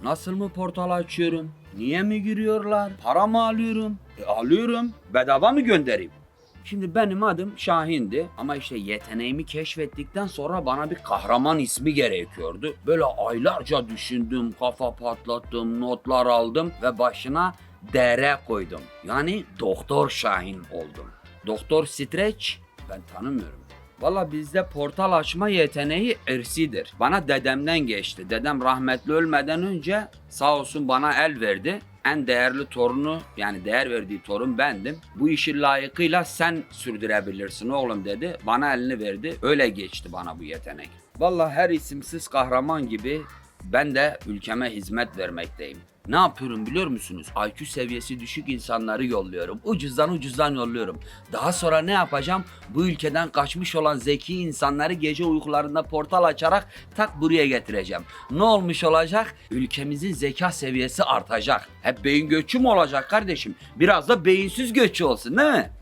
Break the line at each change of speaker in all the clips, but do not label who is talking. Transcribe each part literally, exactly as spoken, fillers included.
Nasıl mı portal açıyorum? Niye mi giriyorlar? Para mı alıyorum? E alıyorum. Bedava mı göndereyim? Şimdi benim adım Şahin'di ama işte yeteneğimi keşfettikten sonra bana bir kahraman ismi gerekiyordu. Böyle aylarca düşündüm, kafa patlattım, notlar aldım ve başına D R koydum. Yani Doktor Şahin oldum. Doktor Stretch ben tanımıyorum. Valla bizde portal açma yeteneği irsidir. Bana dedemden geçti. Dedem rahmetli ölmeden önce sağ olsun bana el verdi. En değerli torunu yani değer verdiği torun bendim. Bu işi layıkıyla sen sürdürebilirsin oğlum dedi. Bana elini verdi. Öyle geçti bana bu yetenek. Valla her isimsiz kahraman gibi ben de ülkeme hizmet vermekteyim. Ne yapıyorum biliyor musunuz? I Q seviyesi düşük insanları yolluyorum. Ucuzdan ucuzdan yolluyorum. Daha sonra ne yapacağım? Bu ülkeden kaçmış olan zeki insanları gece uykularında portal açarak tak buraya getireceğim. Ne olmuş olacak? Ülkemizin zeka seviyesi artacak. Hep beyin göçü mü olacak kardeşim? Biraz da beyinsiz göçü olsun değil mi?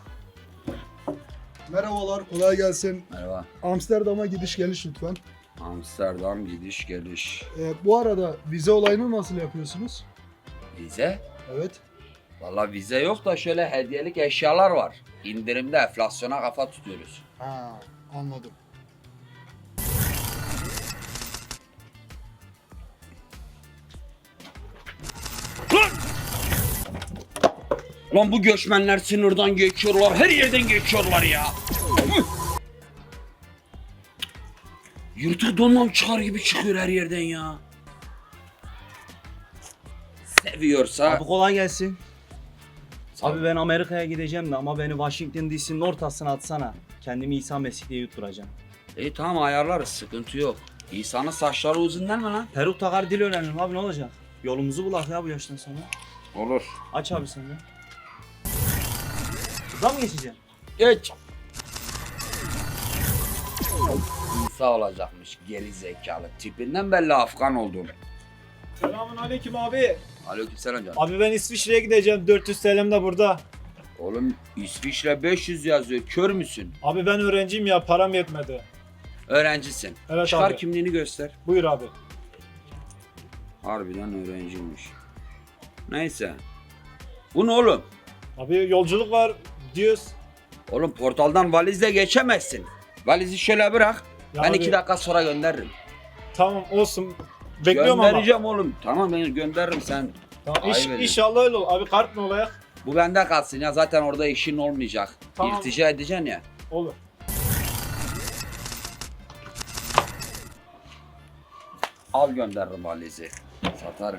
Merhabalar, kolay gelsin.
Merhaba.
Amsterdam'a gidiş geliş lütfen.
Amsterdam gidiş geliş.
Ee, bu arada vize olayını nasıl yapıyorsunuz?
Vize?
Evet.
Vallahi vize yok da şöyle hediyelik eşyalar var. İndirimde enflasyona kafa tutuyoruz.
Ha, anladım.
Lan bu göçmenler sınırdan geçiyorlar, her yerden geçiyorlar ya. Yırtık donmam çıkar gibi çıkıyor her yerden ya. Seviyorsa...
Abi kolay gelsin. Abi ben Amerika'ya gideceğim de ama beni Washington D C'nin ortasına atsana. Kendimi İsa Mesih diye yutturacağım.
İyi tamam ayarlarız, sıkıntı yok. İsa'nın saçları uzun değil mi lan?
Peruk takar dil öğrenirim abi, ne olacak? Yolumuzu bulak ya bu yaştan sonra.
Olur.
Aç abi sen de. Buradan mı geçeceğim?
Geç. İsa olacakmış geri zekalı. Tipinden belli Afgan olduğunu.
Selamun aleyküm abi.
Aleykümselam canım.
Abi ben İsviçre'ye gideceğim. dört yüz T L'm de burada.
Oğlum İsviçre beş yüz yazıyor. Kör müsün?
Abi ben öğrenciyim ya, param yetmedi.
Öğrencisin.
Evet
Çıkar
abi.
kimliğini göster.
Buyur abi.
Harbiden öğrenciymiş. Neyse. Bu ne oğlum?
Abi yolculuk var diyoruz.
Oğlum portaldan valizle geçemezsin. Valizi şöyle bırak.
Ya
ben
abi,
iki dakika sonra gönderirim.
Tamam olsun. Bekliyorum ama.
Göndereceğim oğlum. Tamam ben gönderirim sen.
Tamam,
Ayıp
iş,
ediyorsun.
inşallah öyle olur. Abi kart mı olayak?
Bu bende kalsın ya zaten orada işin olmayacak.
Tamam.
İltica edeceksin ya.
Olur.
Al gönderirim valizi. Satarım.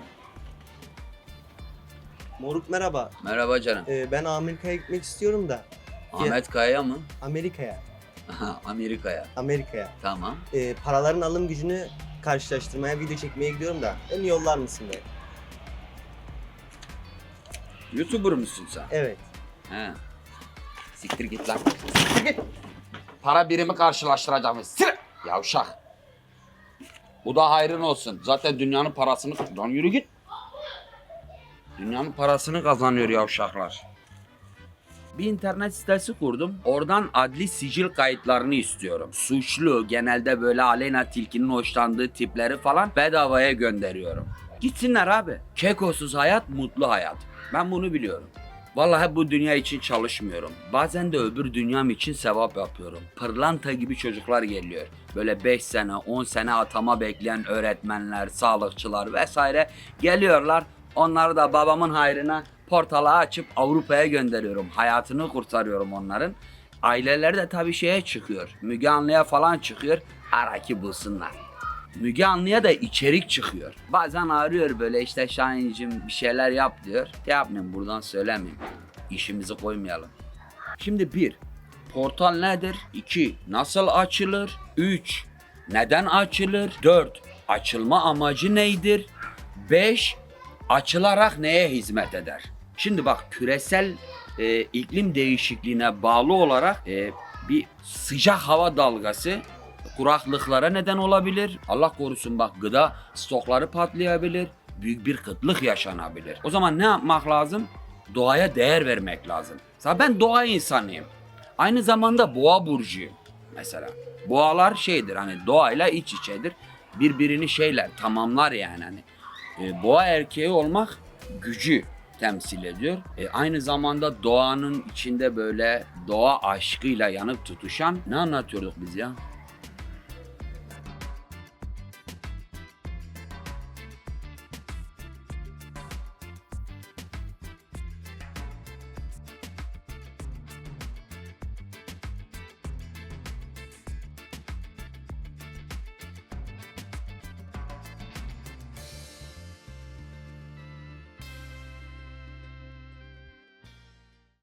Moruk merhaba.
Merhaba canım.
Ee, ben Amerika'ya gitmek istiyorum da.
Ahmet Kaya mı?
Amerika'ya.
Aha, Amerika'ya.
Amerika'ya.
Tamam.
Ee, paraların alım gücünü karşılaştırmaya video çekmeye gidiyorum da. Beni yollar mısın be?
YouTuber musun sen?
Evet.
He. Siktir git lan. Siktir git. Para birimi karşılaştıracağım. Siktir. Yavşak. Bu da hayrın olsun. Zaten dünyanın parasını... Lan yürü git. Dünyanın parasını kazanıyor yavşaklar. Bir internet sitesi kurdum. Oradan adli sicil kayıtlarını istiyorum. Suçlu, genelde böyle Aleyna Tilki'nin hoşlandığı tipleri falan bedavaya gönderiyorum. Gitsinler abi. Kekosuz hayat, mutlu hayat. Ben bunu biliyorum. Vallahi hep bu dünya için çalışmıyorum. Bazen de öbür dünyam için sevap yapıyorum. Pırlanta gibi çocuklar geliyor. Böyle beş sene, on sene atama bekleyen öğretmenler, sağlıkçılar vesaire geliyorlar. Onları da babamın hayrına portala açıp Avrupa'ya gönderiyorum. Hayatını kurtarıyorum onların. Aileleri de tabii şeye çıkıyor. Müge Anlı'ya falan çıkıyor. Ara ki bulsunlar. Müge Anlı'ya da içerik çıkıyor. Bazen arıyor böyle işte Şahin'cim bir şeyler yap diyor. Yapmayayım buradan söylemeyeyim. İşimizi koymayalım. Şimdi bir, portal nedir? İki, nasıl açılır? Üç, neden açılır? Dört, açılma amacı neydir? Beş, açılarak neye hizmet eder? Şimdi bak küresel e, iklim değişikliğine bağlı olarak e, bir sıcak hava dalgası kuraklıklara neden olabilir. Allah korusun bak gıda stokları patlayabilir. Büyük bir kıtlık yaşanabilir. O zaman ne yapmak lazım? Doğaya değer vermek lazım. Mesela ben doğa insanıyım. Aynı zamanda boğa burcuyum mesela. Boğalar şeydir hani doğayla iç içedir. Birbirini şeyler tamamlar yani hani. E, boğa erkeği olmak gücü temsil ediyor. E, aynı zamanda doğanın içinde böyle doğa aşkıyla yanıp tutuşan ne anlatıyorduk biz ya?